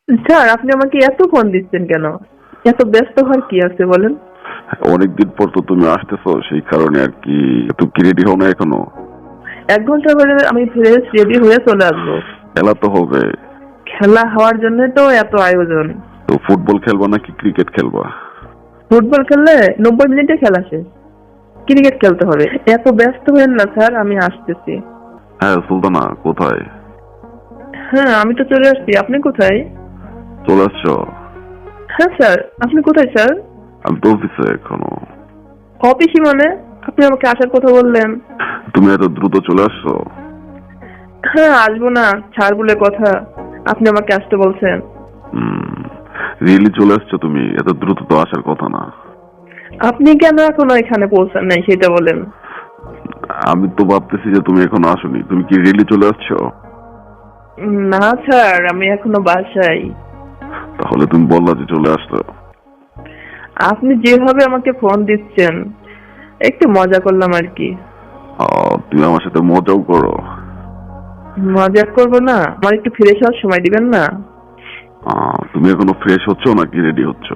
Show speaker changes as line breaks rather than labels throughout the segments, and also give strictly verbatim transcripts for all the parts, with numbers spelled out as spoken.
Sir, আপনি আমাকে এত ফোন দিচ্ছেন কেন? এত ব্যস্ত হওয়ার কি আছে বলেন?
অনেকদিন পর তো তুমি আসতেছো, সেই কারণে আর কি। তুমি কি রেডি হও না এখনো?
এক ঘন্টা পরে আমি ফ্রেশ রেডি হয়ে চলে আসবো।
খেলা তো হবে।
খেলা হওয়ার জন্য তো এত আয়োজন।
তো ফুটবল খেলবা নাকি ক্রিকেট খেলবা?
ফুটবল খেললে নব্বই মিনিটে খেলা শেষ। ক্রিকেট খেলতে হবে। এত ব্যস্ত হবেন না স্যার, আমি আসতেছি।
হ্যাঁ সুলতানা, কোথায়?
হ্যাঁ, আমি তো চলে আসছি। আপনি কোথায়?
চলে আসছো?
হ্যাঁ স্যার, আপনি কোথায় স্যার?
আমি তো অফিসে এখনো।
অফিসই মানে? আপনি আমাকে আসার কথা বললেন।
তুমি এত দ্রুত চলে আসছো?
হ্যাঁ, আসবো না ছাড় বলে কথা। আপনি আমাকে আসতে বলছেন।
হুম, রিয়েলি চলে আসছো তুমি? এত দ্রুত তো আসার কথা না।
আপনি কেন এখনো এখানে পৌঁছান নাই সেটা বলেন।
আমি তো ভাবতেছি যে তুমি এখনো আসোনি। তুমি কি রিয়েলি চলে আসছো?
না স্যার, আমি এখনো বাসায়।
তাহলে তুমি বললা যে চলে আসছো।
আপনি যেভাবে আমাকে ফোন দিচ্ছেন, একটু মজা করলাম আর কি।
আহ, তুমি আমার সাথে মজাও করো।
মজা করবো না? আমার একটু ফ্রেশ হওয়ার সময় দিবেন না?
আহ, তুমি এখনো ফ্রেশ হচ্ছ নাকি রেডি হচ্ছ?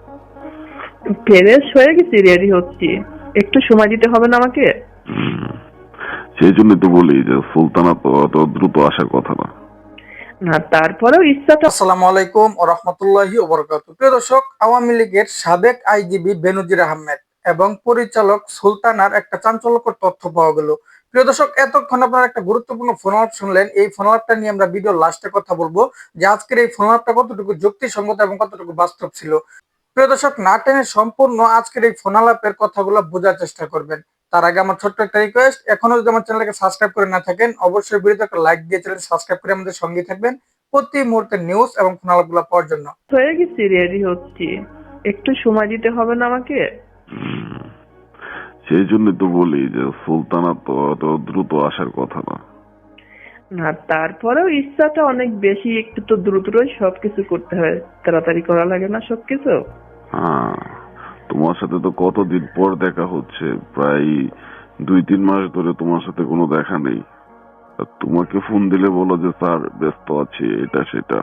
ফ্রেশ হয়ে গেছি, রেডি হচ্ছি। একটু সময় দিতে হবে না আমাকে?
হুম, সেই জন্য তো বলি যে সুলতানা তো অত দ্রুত আসার কথা না।
না, তারপরেও ইচ্ছাটা।
আসসালামু আলাইকুম ওয়া রাহমাতুল্লাহি ওয়া বারাকাতুহু। প্রিয় দর্শক, আওয়ামী লীগের সাবেক আইজিবি বেনজির আহমেদ এবং পরিচালক সুলতানার একটা চাঞ্চল্যকর তথ্য পাওয়া গেল। প্রিয় দর্শক, এতক্ষণ আপনারা একটা গুরুত্বপূর্ণ ফোন আলাপ শুনলেন। এই ফোন আলাপটা নিয়ে আমরা ভিডিও লাস্টে কথা বলবো যে আজকের এই ফোন আলাপটা কতটুকু যুক্তিসঙ্গত এবং কতটুকু বাস্তব ছিল। প্রিয় দর্শক, না টেনে সম্পূর্ণ আজকের এই ফোন আলাপের কথাগুলো বোঝার চেষ্টা করবেন। তার আগে আমার ছোট্ট একটা রিকোয়েস্ট, এখনো যদি আমার চ্যানেলকে সাবস্ক্রাইব করে না থাকেন, অবশ্যই ভিডিওতে একটা লাইক দিয়ে চ্যানেল সাবস্ক্রাইব করে আমাদের সঙ্গে থাকবেন প্রতি মুহূর্তের নিউজ এবং ফোন আলাপগুলো পাওয়ার জন্য।
হয়ে গেছি, রেডি হচ্ছি। একটু সময় দিতে হবে না আমাকে?
হুম, সেই জন্য তো বলি যে সুলতানা তো অত দ্রুত আসার কথা না।
না, তারপরেও ইচ্ছাটা অনেক বেশি। একটু তো দ্রুতই সবকিছু করতে হয়, তাড়াতাড়ি করা লাগে না সবকিছু।
হ্যাঁ, তোমার সাথে তো কতদিন পর দেখা হচ্ছে, প্রায় দুই তিন মাস ধরে তোমার সাথে কোনো দেখা নেই। আর তোমাকে ফোন দিলে বলো যে স্যার ব্যস্ত আছি, এটা সেটা।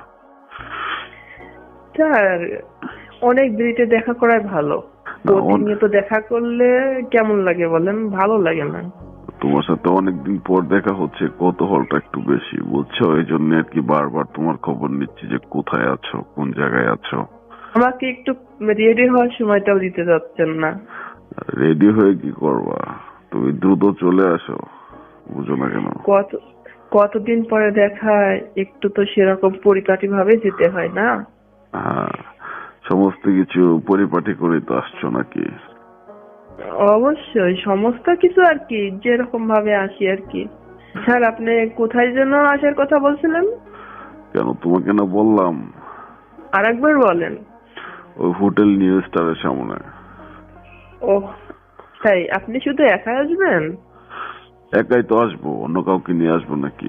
স্যার, অনেক দেরিতে দেখা করাই ভালো।
না, অন-
প্রতিনিয়ত দেখা করলে কেমন লাগে বলেন? ভালো লাগে না।
তোমার সাথে অনেকদিন পর দেখা হচ্ছে, কৌতূহলটা একটু বেশি, বুঝছো? এই জন্য আর কি বারবার তোমার খবর নিচ্ছি যে কোথায় আছো, কোন জায়গায় আছো।
আমাকে একটু রেডি হওয়ার সময়টাও দিতে যাচ্ছেন না।
রেডি হয়ে কি করবা? তুমি দ্রুত চলে আসো, বুঝো না কেন?
কত কতদিন পরে দেখায়, একটু তো সেরকম পরিপাটি ভাবে যেতে হয় না?
হ্যাঁ, সমস্ত কিছু পরিপাটি করে তো আসছো নাকি?
অবশ্যই সমস্ত কিছু আর কি, যেরকম ভাবে আসি আর কি। স্যার, আপনি কোথায় যেন আসার কথা বলছিলেন?
কেন, তোমাকে না বললাম?
আর একবার বলেন।
ওই হোটেল নিউ স্টারের সামনে।
ও, তাই? আপনি শুধু একা আসবেন?
একাই তো আসবো, অন্য কাউকে নিয়ে আসবো নাকি?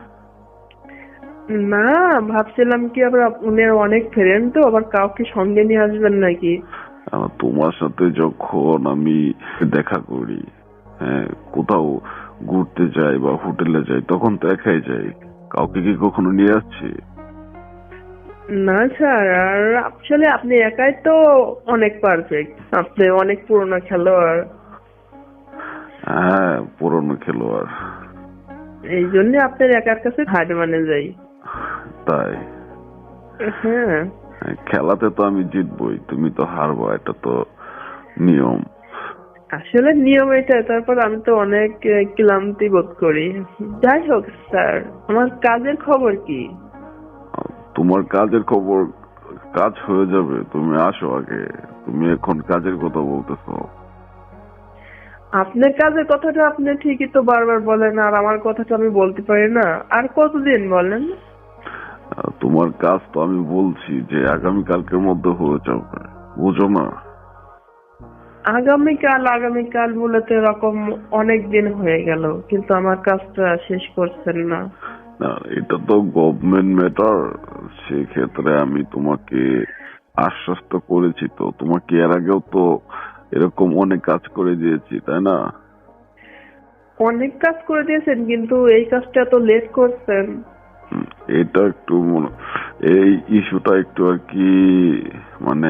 না, ভাবছিলাম কি আবার আপনার অনেক ফ্রেন্ড, তো আবার কাউকে সঙ্গে নিয়ে আসবেন নাকি।
আহ, তোমার সাথে যখন আমি দেখা করি, হ্যাঁ, কোথাও ঘুরতে যাই বা হোটেলে যাই, তখন তো একাই যাই। কাউকে কি কখনো নিয়ে আসছি?
না স্যার, আর আসলে আপনি একাই তো অনেক পারফেক্ট। আপনি অনেক পুরনো খেলোয়াড়।
হ্যাঁ, পুরনো খেলোয়াড়।
এই জন্য আপনার একার কাছে হার মানে যাই।
তাই?
হ্যাঁ।
হ্যাঁ, খেলাতে তো আমি জিতবই, তুমি তো হারবা, এটা তো নিয়ম।
আসলে নিয়ম এটা। তারপর আমি তো অনেক আহ, ক্লান্তি বোধ করি। যাই হোক স্যার, আমার কাজের খবর কি?
আহ, তোমার কাজের খবর? কাজ হয়ে যাবে, তুমি আসো আগে। তুমি এখন কাজের কথা বলতেছো।
আপনার কাজের কথাটা আপনি ঠিকই তো বারবার বলেন, আর আমার কথাটা আমি বলতে পারি না। আর কতদিন বলেন?
আহ, তোমার কাজ তো আমি বলছি যে আগামী কালকের মধ্যে হয়ে যাবে, বুঝো না?
আগামীকাল আগামীকাল বলে তো এরকম অনেক দিন হয়ে গেল, কিন্তু আমার কাজটা শেষ করছেন না।
না, এটা তো গভর্নমেন্ট ম্যাটার। সেক্ষেত্রে আমি তোমাকে আশ্বস্ত করেছি, তো তোমাকে এর আগেও তো এরকম অনেক কাজ করে দিয়েছি, তাই না?
অনেক কাজ করে দিয়েছেন, কিন্তু এই কাজটা এত লেট করছেন।
হুম, এটা একটু মনে এই ইস্যুটা একটু আর কি মানে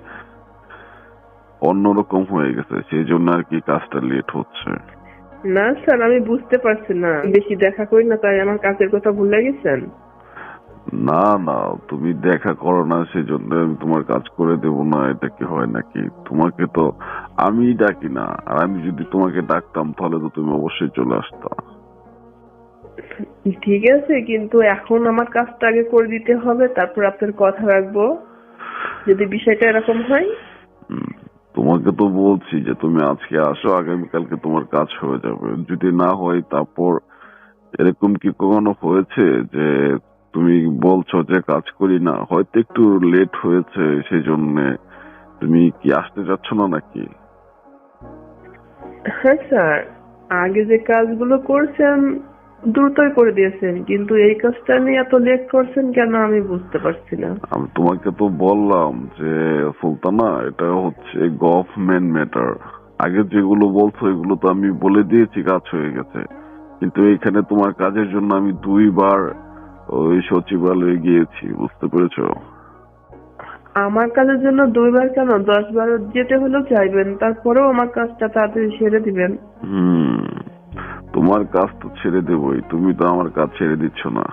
অন্যরকম হয়ে গেছে, সেই জন্য আর কি কাজটা লেট হচ্ছে।
না স্যার, আমি বুঝতে পারছি না, বেশি দেখা করি না তাই আমার কাজের কথা ভুলে গেছেন।
না না, তুমি দেখা করো না সেজন্য আমি তোমার কাজ করে দেব না, এটা কি হয় নাকি? তোমাকে তো আমি ডাকি না, আর আমি যদি তোমাকে ডাকতাম তাহলে তো তুমি অবশ্যই চলে আসতা।
ঠিক আছে, কিন্তু এখন আমার কাজটা আগে করে দিতে হবে, তারপর আপনার কথা রাখবো যদি বিষয়টা এরকম হয়।
হুম, তোমাকে তো বলছি যে তুমি আজকে আসো, আগামীকালকে তোমার কাজ হয়ে যাবে। যদি না হয় তারপর এরকম কি কখনো হয়েছে যে তুমি বলছো যে কাজ করি না, হয়তো একটু লেট হয়েছে সেই জন্য তুমি কি আসতে চাচ্ছ না নাকি?
হ্যাঁ স্যার, আগে যে কাজগুলো করছেন দ্রুতই করে দিয়েছেন, কিন্তু এই কাজটা নিয়ে এত লেট করছেন কেন আমি বুঝতে পারছি না।
আমি তোমাকে তো বললাম যে সুলতানা, এটা হচ্ছে গভর্নমেন্ট ম্যাটার। আগে যেগুলো বলছো এগুলো তো আমি বলে দিয়েছি, কাজ হয়ে গেছে। কিন্তু এখানে তোমার কাজের জন্য আমি দুইবার ওই সচিবালয়ে গিয়েছি, বুঝতে পেরেছো?
আমার কাজের জন্য দুইবার কেন, দশ বার যেতে হলেও চাইবেন, তারপরেও আমার কাজটা তাড়াতাড়ি সেরে দিবেন।
হুম, তোমার কাজ তো ছেড়ে দেবই, তুমি তো আমার কাজ ছেড়ে দিচ্ছ না।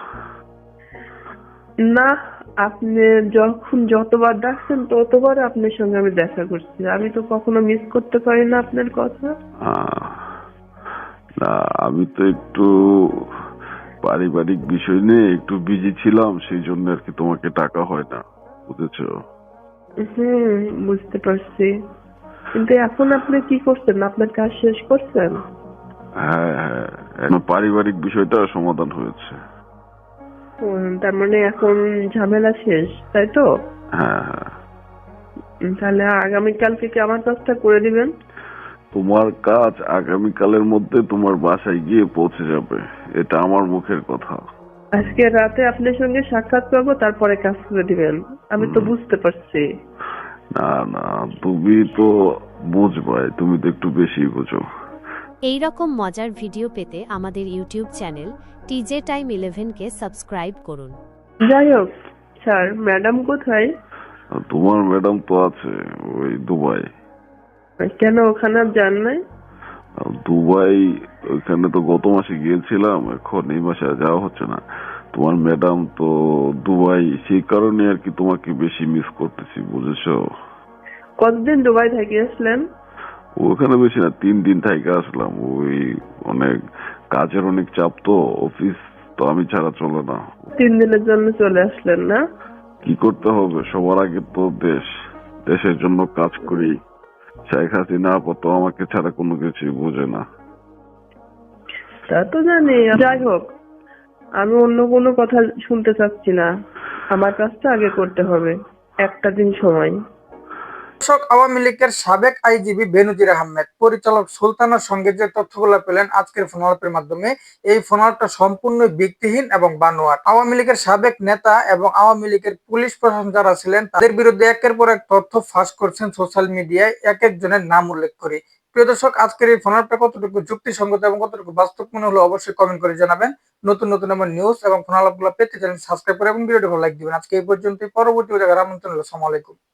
না, আপনি যখন যতবার ডাকছেন ততবার আপনার সঙ্গে আমি দেখা করছি, আমি তো কখনো মিস করতে পারি না আপনার কথা।
আহ, না, আমি তো একটু পারিবারিক বিষয় নিয়ে একটু বিজি ছিলাম, সেই জন্য আর কি তোমাকে টাকা হয় না, বুঝেছো?
হুম, বুঝতে পারছি, কিন্তু এখন আপনি কি করছেন, আপনার কাজ শেষ করছেন?
হ্যাঁ হ্যাঁ, এখন পারিবারিক বিষয়টা সমাধান হয়েছে।
হুম, তার মানে এখন ঝামেলা শেষ, তাই তো?
হ্যাঁ হ্যাঁ।
উম, তাহলে আগামীকাল থেকে আমার কাজটা করে দিবেন।
তোমার কাজ আগামীকালের মধ্যে তোমার বাসায় গিয়ে পৌঁছে যাবে, এটা আমার মুখের কথা।
আজকে রাতে আপনার সঙ্গে সাক্ষাৎ করবো, তারপরে কাজ করে দিবেন, আমি তো বুঝতে পারছি।
না না, তুমি তো বুঝবাই, তুমি তো একটু বেশি বুঝো।
এই রকম মজার ভিডিও পেতে আমাদের YouTube channel TJ time eleven কে সাবস্ক্রাইব করুন।
যাই হোক স্যার, ম্যাডাম কোথায়?
আর তোমার ম্যাডাম তো আছে ওই দুবাই।
কেন ওখানে আর যান নাই?
আর দুবাই, ওইখানে তো গত মাসে গিয়েছিলাম, এখন এই মাসে আর যাওয়া হচ্ছে না। তোমার ম্যাডাম তো দুবাই, সেই কারণে আর কি তোমাকে বেশি মিস করতেছি, বুঝেছো?
কতদিন দুবাই থেকে আসলেন?
ওখানে বেশি না, তিন দিন থেকে আসলাম। ওই অনেক কাজের অনেক চাপ তো, অফিস তো আমি ছাড়া চলে না।
তিন দিনের জন্য চলে আসলেন না?
কি করতে হবে, সবার আগে তো দেশ, দেশের জন্য কাজ করি। শেখ হাসিনা আপাতত আমাকে ছাড়া কোনো কিছু বোঝে না।
তা তো জানি। যাই হোক, আমি অন্য কোনো কথা শুনতে চাচ্ছি না, আমার কাজটা আগে করতে হবে, একটা দিন সময়।
দর্শক, আওয়ামী লীগের সাবেক আইজিবি বেনজির আহমেদ পরিচালক সুলতানার সঙ্গে যে তথ্যগুলো পেলেন আজকের ফোন আলাপের মাধ্যমে, এই ফোন আলাপটা সম্পূর্ণ ভিত্তিহীন এবং বানোয়াট। আওয়ামী লীগের সাবেক নেতা এবং আওয়ামী লীগের পুলিশ প্রশাসন যারা ছিলেন তাদের বিরুদ্ধে একের পর এক তথ্য ফাঁস করছেন সোশ্যাল মিডিয়ায়, এক একজনের নাম উল্লেখ করে। প্রিয় দর্শক, আজকের এই ফোন আলাপটা কতটুকু যুক্তিসঙ্গত এবং কতটুকু বাস্তব মনে হলো অবশ্যই কমেন্ট করে জানাবেন। নতুন নতুন এমন নিউজ এবং ফোন আলাপগুলো পেতে চ্যানেল সাবস্ক্রাইব করে এবং ভিডিওটি ভালো লাইক দিবেন। আজকে এই পর্যন্ত, পরবর্তী জায়গায় আমন্ত্রণ হলো। আসসালামু আলাইকুম।